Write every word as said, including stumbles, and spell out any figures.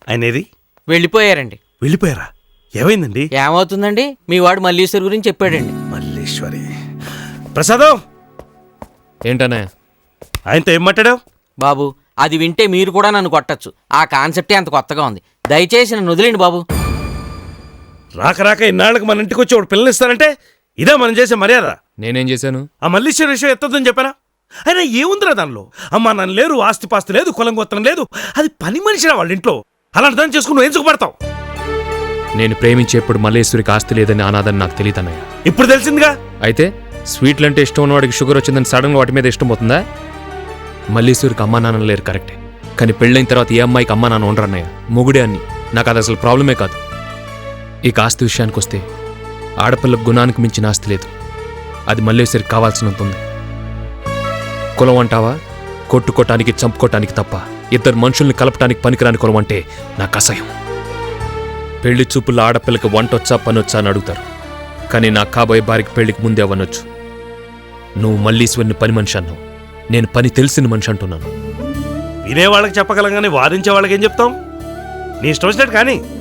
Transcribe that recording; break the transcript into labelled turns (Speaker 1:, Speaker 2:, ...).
Speaker 1: ఆయనేది?
Speaker 2: వెళ్ళిపోయారండి.
Speaker 1: వెళ్ళిపోయారా? ఏమైందండి?
Speaker 2: ఏమవుతుందండి, మీ వాడు మల్లీశ్వరి గురించి చెప్పాడండి.
Speaker 1: మల్లీశ్వరి. ప్రసాదం
Speaker 3: ఏంటనే
Speaker 1: ఆయనతో ఏం మాట్లాడావు?
Speaker 2: బాబు అది వింటే మీరు కూడా నన్ను కొట్టచ్చు. ఆ కాన్సెప్టే అంత కొత్తగా ఉంది. దయచేసి నన్ను వదిలేండి బాబు.
Speaker 1: రాక రాక ఇన్నాళ్ళకి మన ఇంటికి వచ్చి ఒకటి పిల్లనిస్తానంటే ఇదే మనం చేసే మర్యాద.
Speaker 3: నేనేం చేశాను?
Speaker 1: ఆ మల్లీశ్వరి విషయం ఎత్తదని చెప్పానా? అయినా ఏముందిరా దానిలో? అమ్మా నన్ను లేరు, ఆస్తిపాస్తి లేదు, కులం గోత్రం లేదు. అది పని మనిషిరా వాళ్ళ ఇంట్లో. అలాంటి దాన్ని చేసుకుని నువ్వు ఏం సుఖపడతావు?
Speaker 3: నేను ప్రేమించేప్పుడు మల్లేశ్వరికి ఆస్తి లేదని అనాదని నాకు తెలియదన్నయ్య.
Speaker 1: ఇప్పుడు తెలిసిందిగా.
Speaker 3: అయితే స్వీట్లు అంటే ఇష్టం ఉన్నవాడికి షుగర్ వచ్చిందని సడన్గా వాటి మీద ఇష్టం పోతుందా? మల్లేశ్వరికి అమ్మా నాన్న లేరు కరెక్టే, కానీ పెళ్ళైన తర్వాత ఏ అమ్మాయికి అమ్మా నాన్న ఉండరన్నయ్య. మొగుడే అన్ని. నాకు అది అసలు ప్రాబ్లమే కాదు. ఇక ఆస్తి విషయానికి వస్తే ఆడపిల్లకు గుణానికి మించిన ఆస్తి లేదు. అది మల్లేశ్వరికి కావాల్సినంత ఉంది. కులం అంటావా? కొట్టుకోటానికి చంపుకోటానికి తప్ప ఇద్దరు మనుషుల్ని కలపటానికి పనికిరాని కులం అంటే నాకు అసహ్యం. పెళ్లి చూపుల్లో ఆడపిల్లకి వంటొచ్చా పనొచ్చా అని అడుగుతారు, కానీ నా కాబోయే భార్యకి పెళ్లికి ముందే అవనొచ్చు. నువ్వు మల్లీశ్వరిని పని మనిషి అన్నావు, నేను పని తెలిసిన మనిషి అంటున్నాను.
Speaker 1: వినే వాళ్ళకి చెప్పగలం కానీ వాదించే వాళ్ళకి ఏం చెప్తాం? నీ ఇష్టం వచ్చినట్టు కానీ